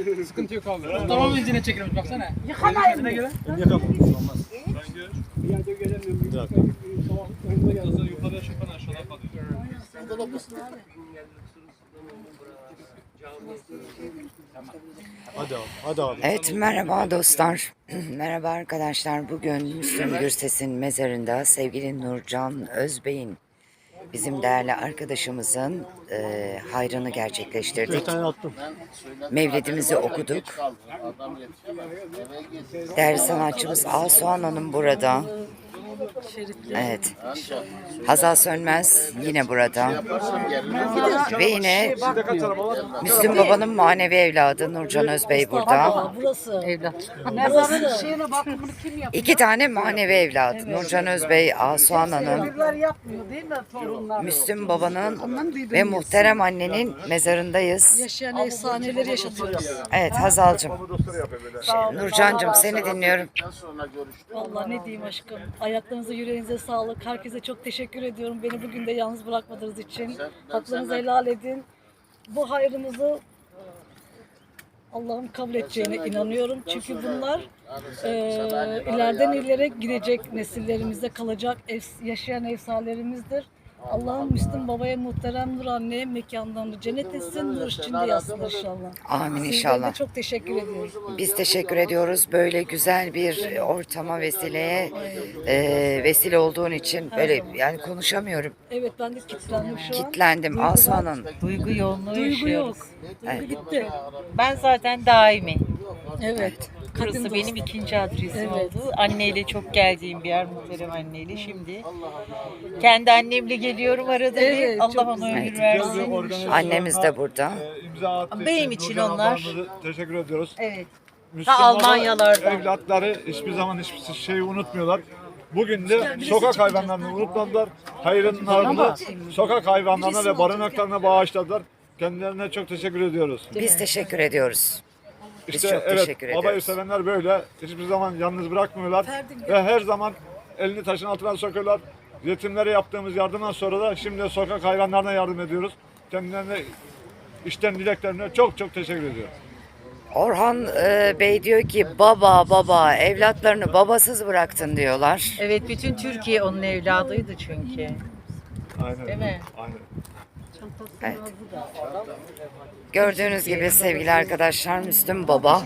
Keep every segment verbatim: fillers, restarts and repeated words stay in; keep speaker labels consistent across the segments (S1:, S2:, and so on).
S1: Sıkıntı yok abi. Tamam benzine çekilmiş baksana.
S2: Yıkamayın mı?
S3: Yıkamayın. Olmaz.
S4: Ben gör.
S5: Bir yerde gelemiyorum. Bir dakika. Sabah önüme geldim.
S4: Kızı yukarıya çıkan aşağıda kalıyor.
S3: Hadi abi. Hadi abi.
S6: Evet, merhaba dostlar. Merhaba arkadaşlar. Bugün Müslüm Gürses'in mezarında sevgili Nurcan Özbey'in, bizim değerli arkadaşımızın e, hayrını gerçekleştirdik.
S3: Bir tane attım.
S6: Mevlidimizi okuduk. Değerli sanatçımız Asuhan Hanım burada. Evet. Hazal Sönmez yine burada. Ve yine Müslüm Baba'nın manevi evladı Nurcan Özbey burada.
S2: Burası. Evlat. Mezarın şeyine bakımını kim yapıyor?
S6: İki tane manevi evladı. Nurcan Özbey, Asuhan Hanım.
S2: Çocuklar yapmıyor değil mi torunlar?
S6: Müslüm Baba'nın ve muhterem annenin mezarındayız.
S2: Yaşayan efsaneleri yaşatıyoruz.
S6: Evet Hazal'cığım. Şey, Nurcan'cığım seni dinliyorum.
S2: Vallahi ne diyeyim aşkım. Ayaklarınıza yüreğinize sağlık. Herkese çok teşekkür ediyorum. Beni bugün de yalnız bırakmadığınız için. Haklarınızı helal edin. Bu hayrımızı Allah'ın kabul edeceğine inanıyorum. Çünkü bunlar e, ileriden ileri gidecek nesillerimize kalacak ef- yaşayan efsanelerimizdir. Allah'ın Müslüm Baba'ya, muhterem Nur anneye mekanlarını cennet etsin, nur içinde yatsın inşallah.
S6: Amin
S2: Sizlere
S6: inşallah.
S2: de çok teşekkür ediyoruz.
S6: Biz teşekkür ediyoruz. Böyle güzel bir ortama vesileye e, vesile olduğun için böyle yani konuşamıyorum.
S2: Evet ben de kilitlendim şu an.
S6: Kitlendim Asuhan'ın.
S7: Duygu yoğunluğu
S2: Duygu
S7: yaşıyoruz.
S2: yok.
S6: Evet.
S2: Duygu gitti.
S7: Ben zaten daimi.
S2: Evet. Kadın
S7: Burası
S2: dostu.
S7: benim ikinci adresim
S2: Evet.
S7: oldu. Anneyle çok geldiğim bir yer, muhterem anneyle. Şimdi kendi annemle geliyorum arada
S2: Evet,
S7: bir.
S2: çok
S7: Allah ona
S6: güzel.
S7: ömür versin.
S6: Annemiz de burada.
S4: Ee, imza attığı
S7: Benim için
S4: Nurcan
S7: onlar.
S4: ablamıza teşekkür ediyoruz.
S7: Evet.
S4: Müslüm
S7: Ta
S4: Baba
S7: Almanyalardan.
S4: Evlatları hiçbir zaman hiçbir şeyi unutmuyorlar. Bugün de sokak hayvanlarını unutmadılar. Hayrın ardını sokak hayvanlarına ve barınaklarına bağışladılar. Kendilerine çok teşekkür ediyoruz.
S6: Biz teşekkür ediyoruz. Biz
S4: İşte
S6: çok
S4: evet,
S6: teşekkür
S4: babayı
S6: ediyoruz.
S4: sevenler böyle. Hiçbir zaman yalnız bırakmıyorlar. Ve her zaman elini taşın altına sokuyorlar. Yetimlere yaptığımız yardımdan sonra da şimdi sokak hayvanlarına yardım ediyoruz. Kendilerine işten dileklerine çok çok teşekkür ediyorum.
S6: Orhan e, Bey diyor ki baba baba evlatlarını babasız bıraktın diyorlar.
S7: Evet, bütün Türkiye onun evladıydı çünkü.
S4: Aynen.
S7: Değil mi?
S4: Aynen.
S6: Evet. Gördüğünüz gibi sevgili arkadaşlar Müslüm Baba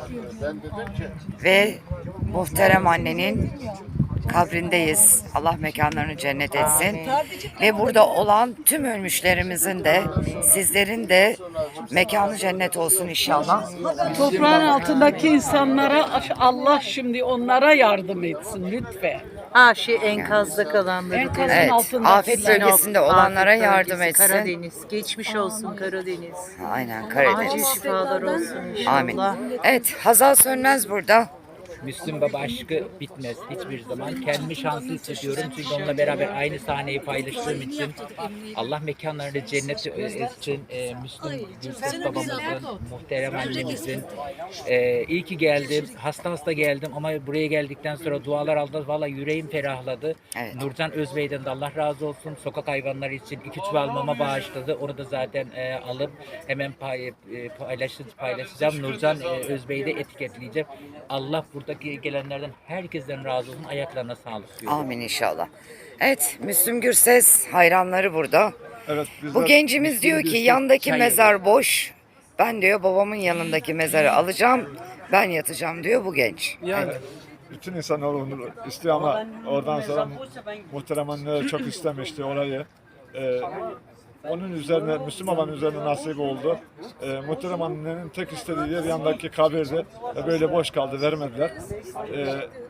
S6: ve muhterem annenin kabrindeyiz. Allah mekanlarını cennet etsin. Ve burada olan tüm ölmüşlerimizin de sizlerin de mekanı cennet olsun inşallah.
S8: Toprağın altındaki insanlara Allah şimdi onlara yardım etsin lütfen.
S7: Ha şey enkazda kalanları.
S8: Enkazın
S6: Evet,
S8: altında.
S6: afet bölgesinde olanlara
S7: Afet
S6: yardım
S7: bölgesi,
S6: etsin.
S7: Karadeniz. Geçmiş olsun Karadeniz.
S6: Aynen
S7: Acil
S6: Karadeniz.
S7: şifalar olsun inşallah.
S6: Amin. Evet Hazal Sönmez burada.
S1: Müslüm Baba aşkı bitmez hiçbir zaman. Kendimi şanslı hissediyorum çünkü onunla beraber aynı sahneyi paylaştığım için. Allah mekanlarını cennete etsin. Ee, Müslüm Gürses babamızın, muhterem annemizin. Ee, iyi ki geldim. Hasta hasta geldim ama buraya geldikten sonra dualar aldım. Valla yüreğim ferahladı.
S6: Evet.
S1: Nurcan Özbey'den de Allah razı olsun. Sokak hayvanları için iki çuval mama bağışladı. Onu da zaten e, alıp hemen pay, e, paylaş, paylaşacağım. Nurcan e, Özbey'i de etiketleyeceğim. Allah buradaki gelenlerden herkesten razı olsun. Ayaklarına sağlık diyorum.
S6: Amin inşallah. Evet Müslüm Gürses hayranları burada.
S4: Evet, bizler-
S6: Bu gencimiz diyor ki yandaki
S1: Çay
S6: mezar boş. Ben diyor babamın yanındaki mezarı alacağım. Ben yatacağım diyor bu genç.
S4: Yani bütün insanlar onu istiyor ama oradan sonra muhterem anne çok istemişti orayı. Ee, onun üzerine, Müslüm Baba'nın üzerine nasip oldu. Ee, muhterem annenin tek istediği yer yandaki kabirdi. Ve böyle boş kaldı, vermediler. Ee,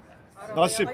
S4: nasip.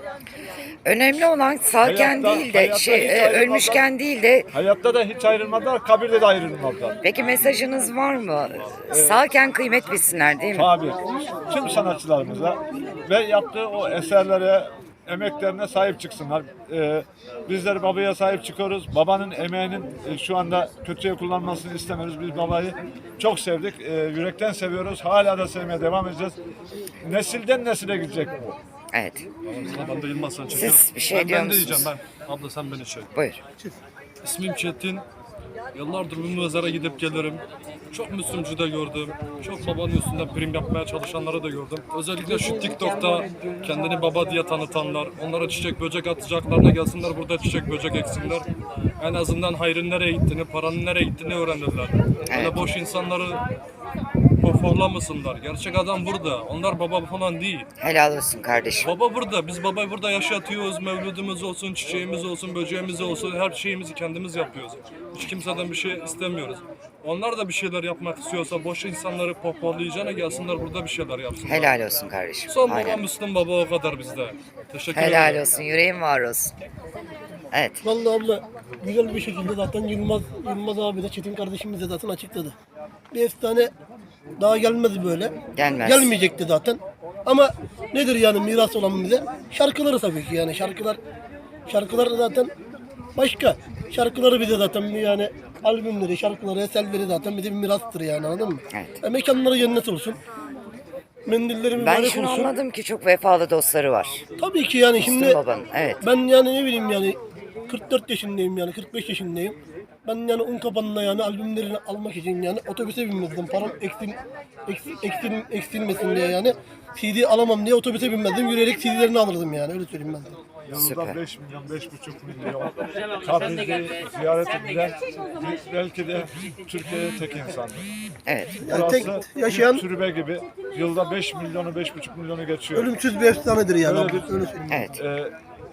S6: Önemli olan sağken
S4: Hayatta-
S6: değil de
S4: hayatta
S6: şey
S4: hiç
S6: e,
S4: ayrılmadan-
S6: ölmüşken değil de
S4: Hayatta da hiç ayrılmadılar, kabirde de ayrılmadılar.
S6: peki mesajınız var mı? Sağken kıymet bilsinler değil mi?
S4: Tabii. Tüm sanatçılarımıza ve yaptığı o eserlere, emeklerine sahip çıksınlar. Ee, bizler babaya sahip çıkıyoruz. Babanın emeğinin e, şu anda kötüye kullanmasını istemiyoruz. Biz babayı çok sevdik. Ee, yürekten seviyoruz. Hala da sevmeye devam edeceğiz. Nesilden nesile gidecek bu.
S6: Evet.
S3: Ben de Yılmaz'dan
S6: Siz bir şey
S3: ben,
S6: diyor
S3: ben de
S6: musunuz?
S3: diyeceğim ben. Abla sen beni çek.
S6: Buyur.
S3: İsmim Çetin. Yıllardır bu mezara gidip gelirim. Çok Müslümcü de gördüm. Çok babanın üstünden prim yapmaya çalışanları da gördüm. Özellikle şu TikTok'ta kendini baba diye tanıtanlar, onlara çiçek böcek atacaklarına gelsinler burada çiçek böcek eksinler. En azından hayrın nereye gittiğini, paranın nereye gittiğini öğrenirler. Öyle boş insanları pohpohlamasınlar. Gerçek adam burada. Onlar baba falan değil.
S6: Helal olsun kardeşim.
S3: Baba burada. Biz babayı burada yaşatıyoruz. Mevludumuz olsun, çiçeğimiz olsun, böceğimiz olsun. Her şeyimizi kendimiz yapıyoruz. Hiç kimseden bir şey istemiyoruz. Onlar da bir şeyler yapmak istiyorsa boş insanları pohpohlayacağına gelsinler burada bir şeyler yapsınlar.
S6: Helal olsun kardeşim.
S3: Son baba
S6: Aynen.
S3: Müslüm baba o kadar bizde. Teşekkür
S6: Helal
S3: ederim.
S6: olsun. Yüreğin var olsun. Evet.
S5: Vallahi abla güzel bir şekilde zaten Yılmaz, Yılmaz abi de Çetin kardeşimiz de zaten açıkladı. Bir efsane daha gelmedi böyle.
S6: Gelmez.
S5: Gelmeyecekti zaten. Ama nedir yani miras olan bize? Şarkıları tabii ki yani şarkılar şarkılar da zaten başka. Şarkıları bize zaten yani albümleri, şarkıları, eserleri zaten bize bir mirastır yani anladın mı?
S6: Evet.
S5: E, mekanları cennet olsun. Mendilleri
S6: Ben
S5: mübarek
S6: şunu
S5: olsun.
S6: anladım ki çok vefalı dostları var.
S5: Tabii ki yani
S6: Müslüm
S5: şimdi
S6: babanın. Evet.
S5: ben yani ne bileyim yani kırk dört yaşındayım yani kırk beş yaşındayım. Ben yani un kapanına yani albümlerini almak için yani otobüse binmezdim. Param eksil, eksil, eksil, eksilmesin diye yani. C D alamam diye otobüse binmezdim. Yürüyerek C D'lerini alırdım yani öyle söyleyeyim ben de.
S4: Yılda
S6: Süper.
S4: beş milyon, beş buçuk milyon kabrini ziyaret edilen belki de Türkiye'de tek insandır.
S6: Evet.
S5: Yani tek
S4: Burası
S5: yaşayan
S4: bir türbe gibi yılda beş milyonu, beş buçuk milyonu geçiyor.
S5: ölümsüz bir efsanedir yani.
S4: Öyle
S5: abi,
S4: bir-
S5: öyle söyleyeyim.
S6: Evet.
S4: Ee,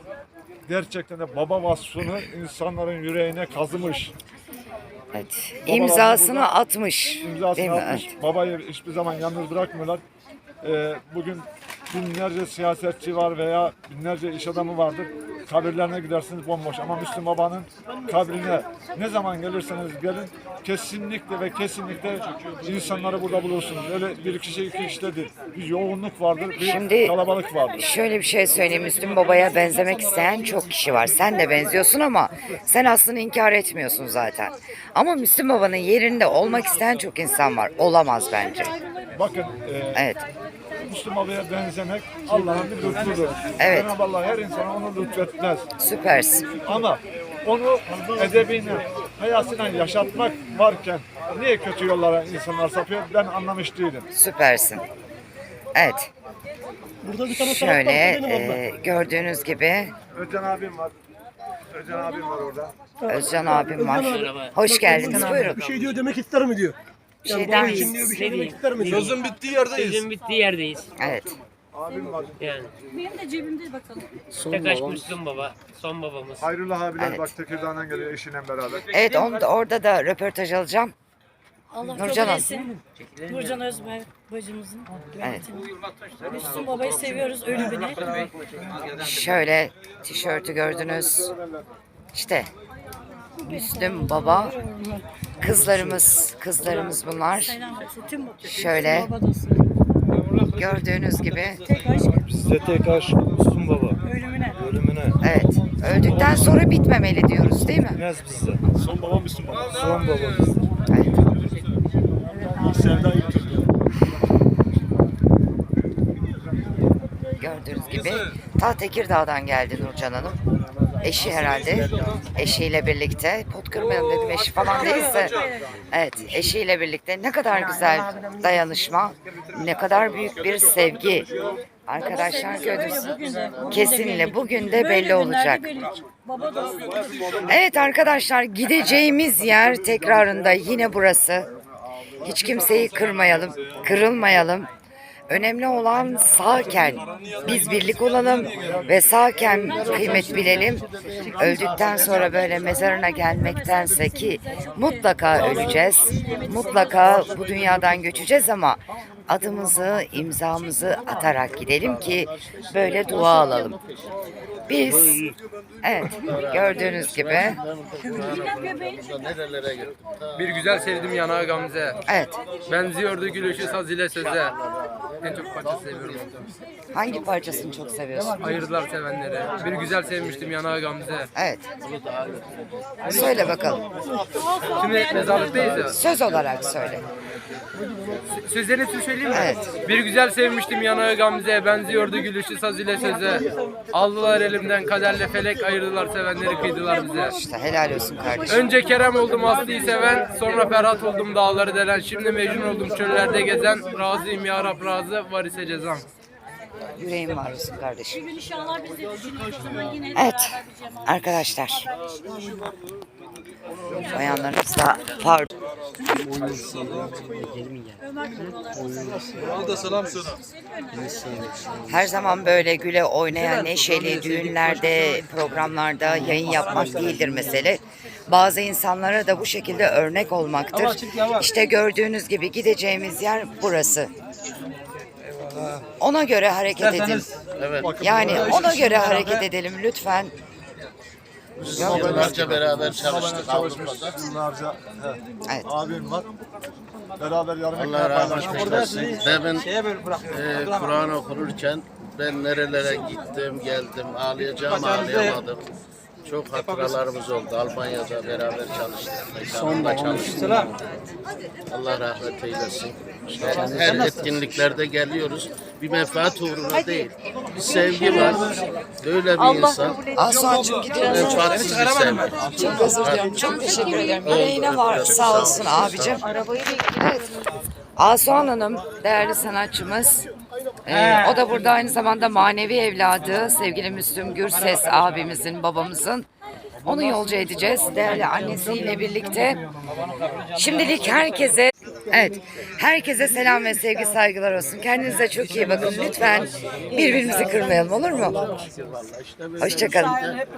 S4: gerçekten de baba vasfını insanların yüreğine kazımış.
S6: Evet. İmzasını atmış.
S4: İmzasını
S6: Değil mi?
S4: atmış.
S6: Evet.
S4: Babayı hiçbir zaman yalnız bırakmıyorlar. Ee, bugün binlerce siyasetçi var veya binlerce iş adamı vardır. Kabirlerine gidersiniz bomboş ama Müslüm Baba'nın kabrine ne zaman gelirseniz gelin kesinlikle ve kesinlikle insanları burada bulursunuz. Öyle bir kişi iki kişi de değil. Bir yoğunluk vardır, bir
S6: Şimdi
S4: kalabalık vardır.
S6: şöyle bir şey söyleyeyim. Müslüm Baba'ya benzemek isteyen çok kişi var. Sen de benziyorsun ama sen aslında inkar etmiyorsun zaten. Ama Müslüm Baba'nın yerinde olmak isteyen çok insan var. Olamaz bence.
S4: Bakın e,
S6: Evet.
S4: Müslüm Baba'ya benzemek Allah'ın bir lütfudur.
S6: Evet.
S4: Cenab-ı Allah her insana onu lütfetmez.
S6: Süpersin.
S4: Ama onu edebine, hayasına yaşatmak varken niye kötü yollara insanlar sapıyor ben anlamış değilim.
S6: Süpersin. Evet.
S5: Burada bir tane
S6: Şöyle
S5: sanatçı benim abla.
S6: e, gördüğünüz gibi
S4: Özcan abim var. Özcan abim var orada.
S6: Özcan abim var.
S5: Özcan
S6: Hoş geldiniz. Buyurun.
S5: Bir şey diyor demek ister mi diyor.
S6: Bir
S5: Yani
S6: şey der
S5: bunun için
S6: miyiz?
S5: diyor bir şey
S9: Ne
S5: demek
S9: diyeyim?
S5: ister mi diyor.
S3: Sözün bittiği yerdeyiz.
S9: Sözün bittiği yerdeyiz.
S6: Evet.
S4: Abim var.
S9: Yani.
S2: Benim de cebimde bakalım.
S9: Tekaş Müslüm baba. Son babamız.
S4: Hayrullah abiler
S6: Evet.
S4: bak Tekirdağ'dan geliyor eşiyle beraber.
S6: Evet onu da, orada da röportaj alacağım.
S2: Allah
S6: Nurcan
S2: kabul
S6: Hanım.
S2: etsin. Nurcan Özbay bacımızın.
S6: Evet.
S2: Müslüm babayı seviyoruz ölümüne.
S6: Şöyle tişörtü gördünüz. İşte Müslüm Baba. Kızlarımız, kızlarımız bunlar.
S2: Selam olsun tüm
S6: Şöyle gördüğünüz gibi.
S3: Size tek aşk Müslüm baba.
S2: Ölümüne.
S3: Ölümüne.
S6: Evet. Öldükten sonra bitmemeli diyoruz değil mi?
S3: Bilmez bizde.
S4: Son babam Müslüm Baba.
S3: Son babamız.
S6: Evet.
S4: Sevda İlk
S6: Gördüğünüz gibi ta Tekirdağ'dan geldi Nurcan Hanım. Eşi herhalde. Eşiyle birlikte. Pot kırmayalım dedim eşi falan değilse. Evet eşiyle birlikte ne kadar güzel dayanışma. Ne kadar büyük bir sevgi. Arkadaşlar gördünüz. Kesinlikle bugün de belli olacak.
S2: Baba dostu.
S6: Evet arkadaşlar gideceğimiz yer tekrarında yine burası. Hiç kimseyi kırmayalım, kırılmayalım. Önemli olan sağken biz birlik olalım ve sağken kıymet bilelim. Öldükten sonra böyle mezarına gelmektense ki mutlaka öleceğiz. Mutlaka bu dünyadan göçeceğiz ama adımızı, imzamızı atarak gidelim ki böyle dua alalım. Biz, evet gördüğünüz gibi,
S10: Bir güzel sevdim yanağı Gamze.
S6: evet
S10: Benziyordu gülüşü saz ile söze. En çok parça seviyorum ondan.
S6: hangi parçasını çok seviyorsun?
S10: Ayırdılar sevenleri. Bir güzel sevmiştim yanağı Gamze.
S6: Evet. Söyle bakalım.
S10: Şimdi mezarlıktayız ya.
S6: Söz olarak söyle.
S10: Sözlerini size söyleyeyim mi?
S6: Evet.
S10: Bir güzel sevmiştim yanağı Gamze'ye, benziyordu gülüşü saz ile söze. Aldılar elimden kaderle felek, ayırdılar sevenleri kıydılar bize.
S6: İşte helal olsun kardeşim.
S10: Önce Kerem oldum Aslı'yı seven, sonra Ferhat oldum dağları delen. Şimdi Mecnun oldum çöllerde gezen, razıyım ya Rab razı, var ise cezam.
S6: Yüreğim var olsun kardeşim. Evet arkadaşlar. Bayanlarımız da pardon. Her zaman böyle güle oynayan neşeli düğünlerde, programlarda yayın yapmak değildir mesele. Bazı insanlara da bu şekilde örnek olmaktır. İşte gördüğünüz gibi gideceğimiz yer burası. Ona göre hareket edin. Yani ona göre hareket edelim lütfen.
S11: Yıllarca beraber çalıştık Avrupa'da.
S4: Yıllarca he,
S6: Evet.
S4: abim var. Beraber yarım
S11: Allah
S4: ekmeği
S11: rahmet
S4: paylaşmışlar.
S11: eylesin. Ben e, Kur'an okunurken ben nerelere gittim geldim ağlayacağım ağlayamadım. Çok hatıralarımız oldu. Almanya'da beraber çalıştık. Mekanında çalıştık. Allah rahmet eylesin. Her, her etkinliklerde geliyoruz. Bir menfaat uğruna değil. Bir sevgi var. Böyle bir insan.
S6: Asuhan'cığım gidiyoruz.
S11: Menfaatsiz bir sevgi.
S6: Çok özür dilerim. Çok teşekkür ederim. Yüreğine var. Sağ olsun abicim. Evet. Asuhan Hanım değerli sanatçımız. Ee, o da burada aynı zamanda manevi evladı sevgili Müslüm Gürses abimizin, babamızın. Onu yolcu edeceğiz değerli annesiyle birlikte. Şimdilik herkese evet herkese selam ve sevgi saygılar olsun. Kendinize çok iyi bakın. Lütfen birbirimizi kırmayalım olur mu? Hoşça kalın.